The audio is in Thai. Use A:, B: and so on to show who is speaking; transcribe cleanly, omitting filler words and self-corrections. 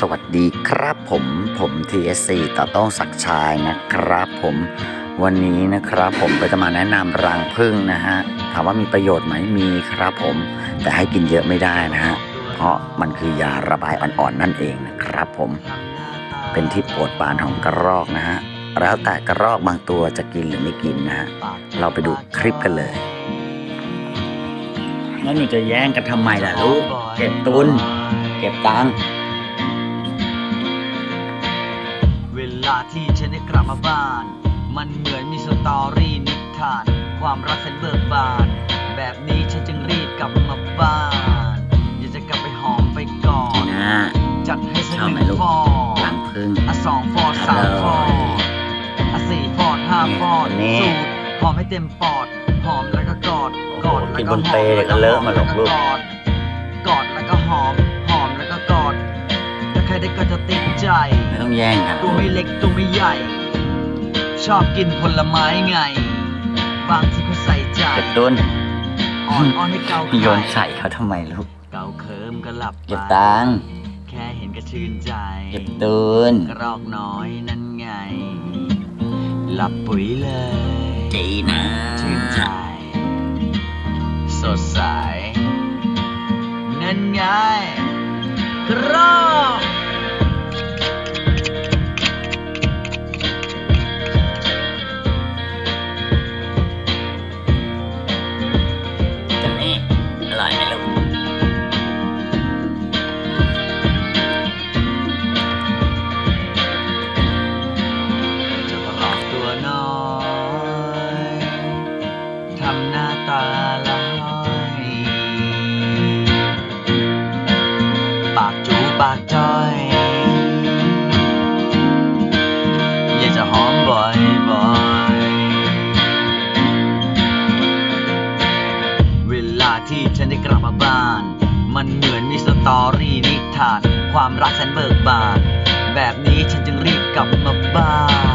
A: วัสดีครับผม TSC ต่อต้องศักดิ์ชัยนะครับผมวันนี้นะครับผมก็จะมาแนะนำรังผึ้งนะฮะถามว่ามีประโยชน์ไหมมีครับผมแต่ให้กินเยอะไม่ได้นะฮะเพราะมันคือยาระบายอ่อนๆนั่นเองนะครับผมเป็นที่โปรดปรานของกระรอกนะฮะแล้วแต่กระรอกบางตัวจะกินหรือไม่กินนะฮะเราไปดูคลิปกันเลยแล้วหนูจะแย่งกันทำไมล่ะลูกเก็บตุนเก็บตังค์
B: เวลาที่ฉันได้กลับมาบ้านมันเหมือนมีสตอรี่นิทานความรักแสนเบิกบานแบบนี้ฉันจึงรีบกลับมาบ้านอยากจะกลับไปหอมไปก่อนจัดให้สักหนึ่งฟอด
A: รังผึ้ง
B: สองฟอดสามฟอดสี่ฟอดห้าฟอดสูตรหอมให้เต็มปอดหอมแล้วก็กอด
A: แล้วก็หอมแล้วก็เลอะมาหลงลูก
B: กอดแล้วก็หอมแล้วก็กอดถ้าใครได้ก็จะติดใจ
A: ไม่ต้องแย่งกัน
B: ตัวไม่เล็กตัวไม่ใหญ่ชอบกินผลไม้ไงบางทีก็ใส่ใจ
A: เก็บตุน
B: อ่อนให้เกา
A: โยนใส่เขาทำไมลูก
B: เกาเคิมก็หลับ
A: เก็บตังค์
B: แค่เห็นก็ชื่นใจ
A: เก็บตุน
B: กระรอกน้อยนั่นไงหลับปุ๋ยเลย
A: ดีนะ
B: ชื่นใจสดใสนั่นไงกระรอก
A: อร่อยไหมลูก
B: เจ้ากระรอกตัวน้อยทำหน้าตาลอยปากจูปากจ้อยอยากจะหอมบ่อยเวลาที่ฉันได้กลับมาบ้านมันเหมือนมีสตอรี่นิทานความรักฉันเบิกบานแบบนี้ฉันจึงรีบกลับมาบ้าน